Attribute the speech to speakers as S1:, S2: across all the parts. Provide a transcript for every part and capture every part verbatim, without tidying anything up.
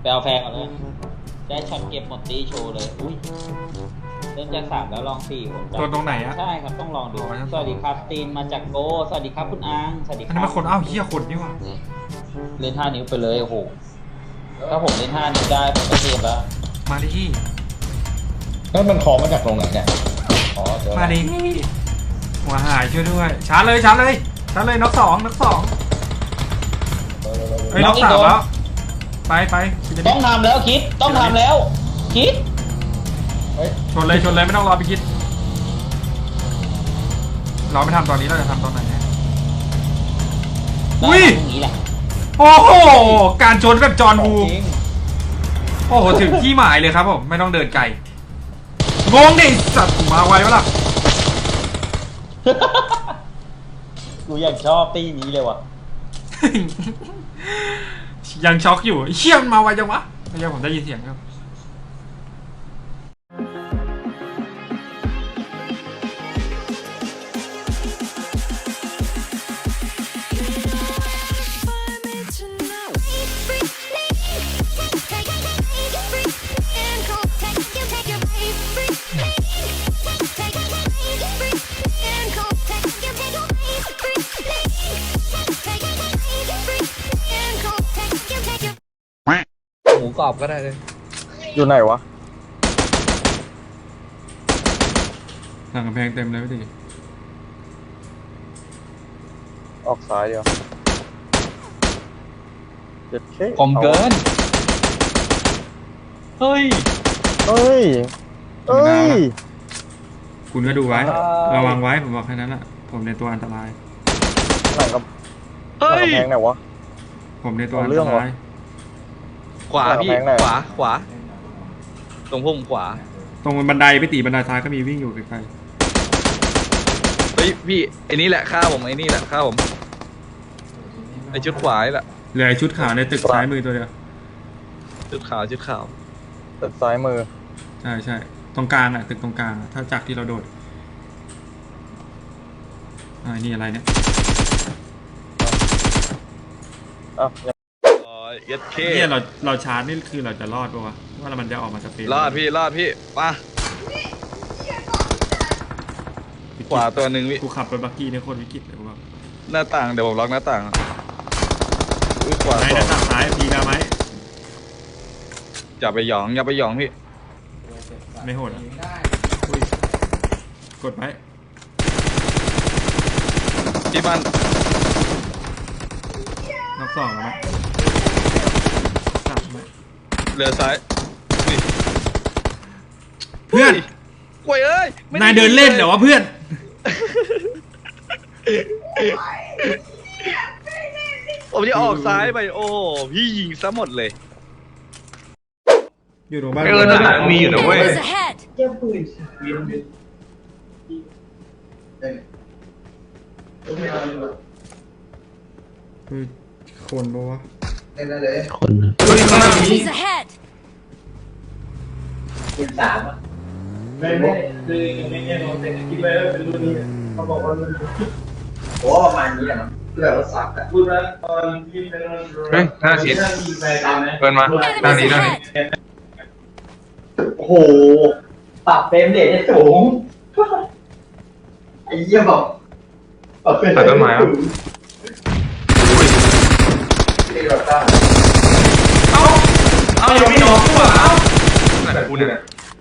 S1: ไปเอาแพงก่อนเลยได้ช็อตเก็บหมดตีโชว์เลยอุ้ยเริ่มจากสามแล้วลองสี่ผม
S2: ตัวตรงไหนอะ
S1: ใช่ครับต้องลองดูสวัสดีครับตีนมาจากโกสวัสดีครับคุณอังสวัสดีค
S2: อัน
S1: รั
S2: นี้
S1: บ
S2: มันคนอ้าวเฮียคนนี่ว่ะ
S1: เล่นห้านิ้วไปเลยโอ้โหถ้าผมเล่นห้านิ้วได้ผมก็เทปแล้ว
S2: มาดิ
S3: นั่นมันคอมาจากตรงไหนเนี่ยอ๋อเดี๋ยว
S2: มาดิหัวหายช่วยด้วยชาร์จเลยชาร์จเลยชาร์จเลยน็อกสองน็อกสองเฮ้ยน็อกสามแล้วไปไป
S1: ต้องทำแล้วคิดต้องทำแล้วคิด
S2: ชนเลยชนเลยไม่ต้องรอไปคิดเราไม่ทำตอนนี้เราจะทำตอนไหนอุ้ย
S1: อย่างนี้แหละ
S2: โอ้โหการชนแบบจอห์นวูโอ้โหถึงที่หมายเลยครับผมไม่ต้องเดินไกลงงดิสัตว์มาไววะล่ะ
S1: กูอยากชอบตีนี้เลยว่ะ
S2: ยังช็อกอยู่เชี่ยมมาไวจังวะไม่ใช่ผมได้ยินเสียงครับ
S4: หมูกรอบก็ได้เลย
S3: อยู่ไหนวะ
S2: หลังกำแพงเต็มเลยพี่ตี
S3: ออกซ้ายเดียวเจ็ดเค
S1: ผมเกินเฮ้ย
S3: เอ้ยเอ้ย
S2: คุณก็ดูไว้
S1: ใช่
S2: ระวังไว้ผมบอกแค่นั้นแหละผมในตัวอันตราย
S3: หลังกับหลังกำแพงไหนวะ
S2: ผมในตัวอัน
S3: เอาเรื่
S2: ต
S3: อง
S2: รา
S3: ว่ะ
S2: ย
S4: ขวาพี่
S3: แพงไหน
S4: ขวาขวา ตรงพุ่มขวา
S2: ตรงบันไดพี่ตีบันไดซ้ายก็มีวิ่งอยู่ไกล
S4: เฮ้ยพี่ไอ้นี่แหละฆ่าผมไอ้นี่แหละฆ่าผมไอ้ชุดขวานี่แหละ
S2: ๆเหลือไอ้ชุดขาวในตึกซ้ายมือตัวเดียว
S4: ชุดขาวชุดขาว
S3: ตึกซ้ายมือ
S2: ใช่ใช่ตรงกลางอะตึกตรงกลางอะถ้าจากที่เราโดดอ่านี่อะไรเนี่ย
S3: อ้าว
S4: อ๋อเย็ดเค
S2: เนี่ยเราเราชาร์จนี่คือเราจะรอดปะวะว่ามันจะออกมาจากเฟรม
S4: รอดพี่รอดพี่มาขวาตัวหนึ่งพี่
S2: กูขับรถบักกี้เนี่ยโคตรวิกฤตเลยกูบอก
S4: หน้าต่างเดี๋ยวผมล็อกหน้าต่างอุ้ยขวา
S2: ไหน
S4: สอ
S2: นะ
S4: ง
S2: ตักซ้ายพีกาไหม
S4: อย่าไปหยองอย่าไปหยองพี่
S2: ไม่โหดอ่ะอุ้ยกดไว้
S4: ที่บ้าน
S2: นับสองแล้วไหมสามไหม
S4: เรือซ้ายนี่
S2: เพื่อน
S4: กล้วยเอ้ยไม่
S2: นายเดินเล่นเหรอวะเพื่อน
S4: ผมจะออกซ้ายไปโอ้โหพี่ยิงซะหมดเลย
S2: อยู่ตรงบ้าน
S4: เออหนังมีอยู่นะเว้ย
S5: Enemies ahead!
S2: คือคนปะวะ
S5: Enemies ahead!
S6: ไม่ไม่คือไม่ใช่โนเซ็นคิดไว้ว่าเป็นรุ่นนี้เขาบอกว่ารุ่นโอ้ประมาณนี้แหละเพื่อเราสักอะพูดแล้วตอนที่เป็น
S4: เฮ้ยหน้าชิด เปิดมาด้านนี้ด้านนี้
S6: โอ้โหปรับเฟรมเรทได้สูงไอ้เหี้ยบอกปรับเฟรมเรทได้สูงนี่เราตั้ง
S4: เอาอย่าไม่น้องกูอ่ะเอาไหนกูเนี่ย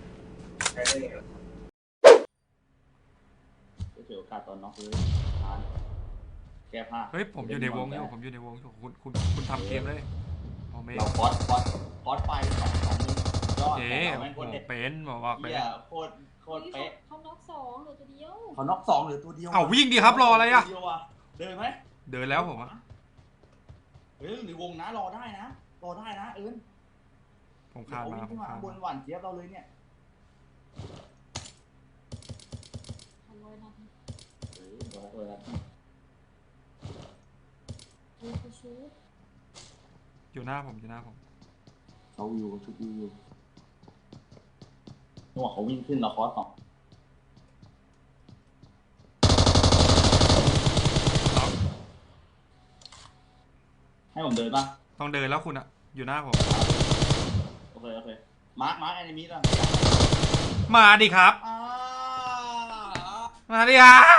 S1: เกี่ยวกับตอนน็อกเลยแก้ผ้า
S2: เฮ้ยผมอยู่ในวงอยู่ผมอยู่ในวงอยู่คุณคุณคุณทำเกมเลยโอเม
S1: เราคอสคอสคอสไปสองสองมุมยอด
S2: เจ๊
S1: แม่งโคตรเด็ด
S2: เป็นบอกว่าเป็น
S1: เหี้ยโคตรโคตรเป๊ะ
S5: เขาน็อกสองเหลือตัวเดียว
S1: เขาน็อกสองหรือตัวเดียว
S2: เอ้าวิ่งดิครับรออะไรอะ
S1: ตัวเดียวอะเดินไหม
S2: เดินแล้วผมอะ
S1: เฮ้ยในวงนะรอได้นะรอได้นะเอิญ
S2: ผมคาดมาผมคาด
S1: บน
S2: มา
S1: หวานเจี๊ยบเราเลยเนี่ย
S5: ทันร้อยนัด
S1: เออรอเออ
S5: เออคือชูด
S2: อยู่หน้าผมอยู่หน้าผม
S1: เขาอยู่ชุดอยู่นึกว่าเขาวิ่งขึ้นเราคอสสองให้ผมเดินป่ะ
S2: ต้องเดินแล้วคุณอะอยู่หน้าผม
S6: เคโอเคมาร์คมาร์คแอนิมิล่ะ
S2: มาดิครับ
S6: อ่า
S2: มาดิครับ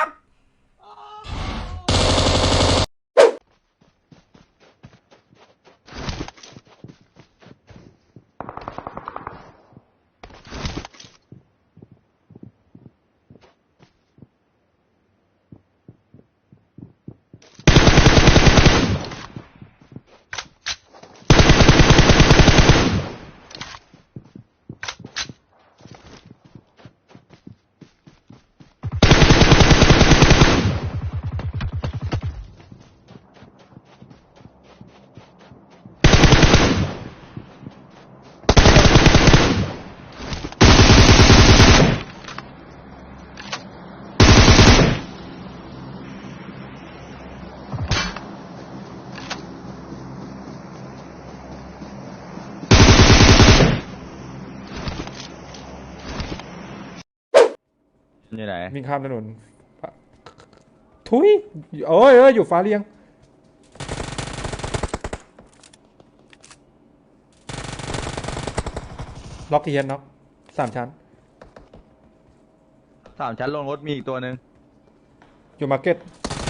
S4: อยู่ไหน
S2: วิ่งข้ามถนนทุยโอ้ยเอ้ยอยู่ฟ้าเรียงล็อกเทียนน็อกสามชั้น
S4: สามชั้นลงรถมีอีกตัวหนึ่ง
S2: อยู่มาร์เก็ต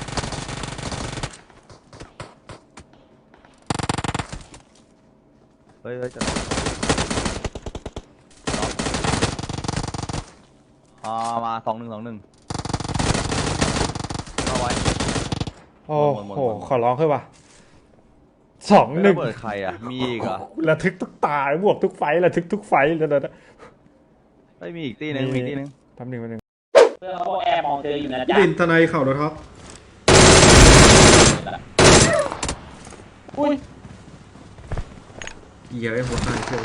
S4: เฮ้ยเฮ้ยจะอ่ามาสองหนึ่งสองหนึ่งเอาไว้
S2: โอ้
S4: หมดหมด
S2: โห
S4: หมดหมด
S2: ขอร้องเถอะว่ะสองหนึ่ง
S4: เปิดใครอ่ะมีอีกเหรอ่ะ
S2: ระทึกทุกตาบวกทุกไฟระทึกทุกไฟแล้วนะ
S4: เฮ้ยมีอีกตีหนึงมีอีกตีหนึง
S2: แป๊บหนึ่งแป๊บหนึ่ง
S1: เพื่อนเขาบอกแอบมองเธออยู่นะจ๊ะ
S2: ดินทนายเข่าแล้วท็อป
S1: อุ้ย
S2: เหี้ยไอ้หัวหน้าเชียว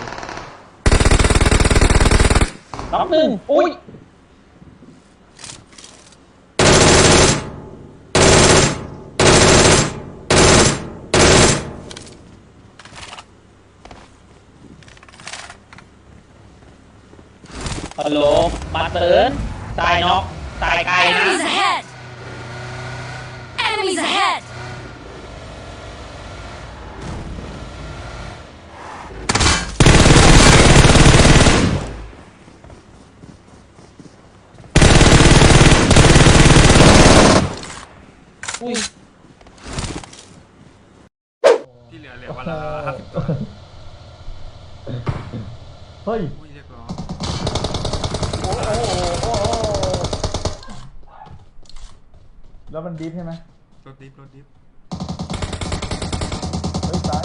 S1: น้องหนึ่งอุ้ยฮัลโหลมาเตือนตายน็อกตายไกลนะ
S5: Enemies ahead! Enemies ahead!
S1: อุ้ย
S2: ที่เหลือเหลือวันละห้าสิบตัว
S3: เฮ้ย
S2: อุ้ยเรียกร้อง
S3: แล้วมันดิฟใช่ไหม
S2: รถดิฟรถดิฟ
S3: เฮ้ยซ้าย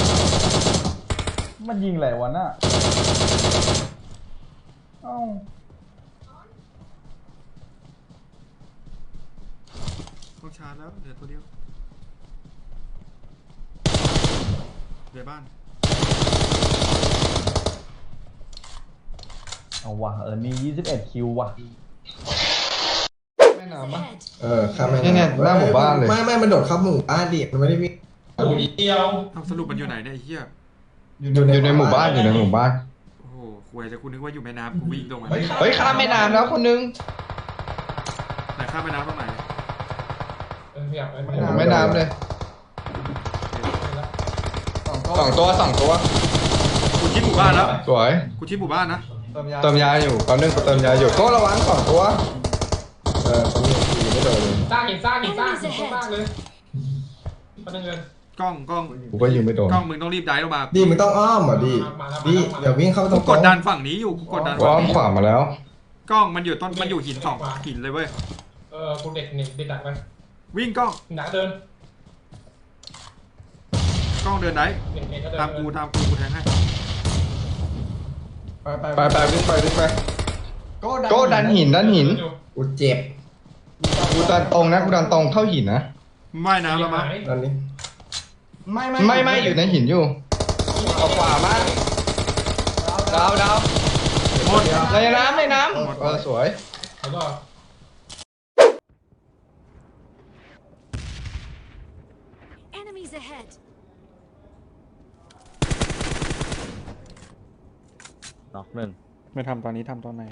S3: มันยิงอะไรวะน่ะเอ้า
S2: ต้องชาร์จแล้วเหลือตัวเดียวเดี๋ยวบ้าน
S3: เอาว่ะเออมียี่สิบเอ็ดคิวว่ะ
S7: แม่น้ำปะ
S5: Ahead!
S7: เออข้ามแม่
S3: นี่
S7: น้ำ
S3: ไงหน้าหมู่บ้านเลย
S7: ไม่ไม่มันโดดเข้าหมู่บ้านดิมันไม่ได้วิ่ง
S2: ทำสรุปมันอยู่ไหนเนี่ยไอ้เหี้ย
S7: อยู่ในหมู่บ้านอยู่ในหมู่บ้าน
S2: โอ้โหควยแต่กูนึกว่าอยู่แม่น้ำกูวิ่งตรงมา
S7: เฮ้ยข้ามแม่น้ำแล้วคนนึง
S2: ไหนข้ามแม่น้ำตรงไหน
S7: แม่น้ำเลยสองตัวสองตัว
S2: กูชิดหมู่บ้านแล้ว
S7: สวย
S2: กูชิดหมู่บ้านนะ
S7: เติมยาอยู่ตอนนึงกูเติมยาอยู่ก็ระวังสองตัวเออตอนนี้กูยังไม่โดนเลย
S8: สร้างหินสร้างหินสร้าง
S5: Enemies
S8: หินสร้าง
S5: ahead!
S8: เลยประเด็นเงิน
S2: กล้องกล้อง
S7: กูก็ยิงไม่โดน
S2: กล้องมึงต้องรีบได้ลงมา
S7: ดีมึงต้องอ้อมอ่ะดีดีอย่าวิ่งเข้าตร
S2: กู
S7: ง
S2: กดดันฝั่งนี้อยู่กูกดดัน
S7: กูอ้อมขวามาแล้ว
S2: กล้องมันอยู่ต้นมันอยู่หินสองหินเลยเว้ย
S8: เออกูเด็กหนึ่งเด็กดักไป
S2: วิ่งกล้อง
S8: หนักเดิน
S2: กล้องเดินได้
S8: เด็กเด็กก็เดิน
S2: ตามกูตามกูกูแทงให้
S7: ไปไปวิ่งไปวิ่งไปก็ดันหินดันหินกูเจ็บกูดันตรงนะกูดันตรงเข้าหินนะ
S2: ว่ายน้ำแล้วมั้ง
S7: ตอนนี้ไม่ไม่ไม่อยู่ในหินอยู่เอาขวามาดาวดาว
S2: หมด
S7: ในน้ำในน้ำเออสวย
S8: แล้วก็
S5: Enemies ahead!
S4: น็อกหนึ่ง
S2: ไม่ทำตอนนี้ทำตอนไหน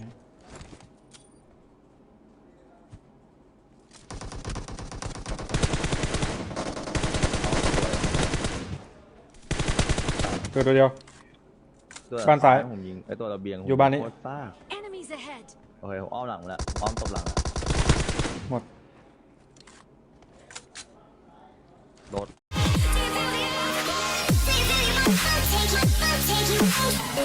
S2: ตัวตัวเดียว
S4: ตัว
S9: บ้านซ้าย
S4: ผมยิงไอตัวระเบียง
S9: อยู่บ้านนี้
S4: โคตรซ่า
S5: Enemies ahead.
S4: โอเคผมอ้อมหลังแล้วอ้อมตบหลังแล้ว
S9: หมด
S4: โดด
S5: Take it, take it, take it.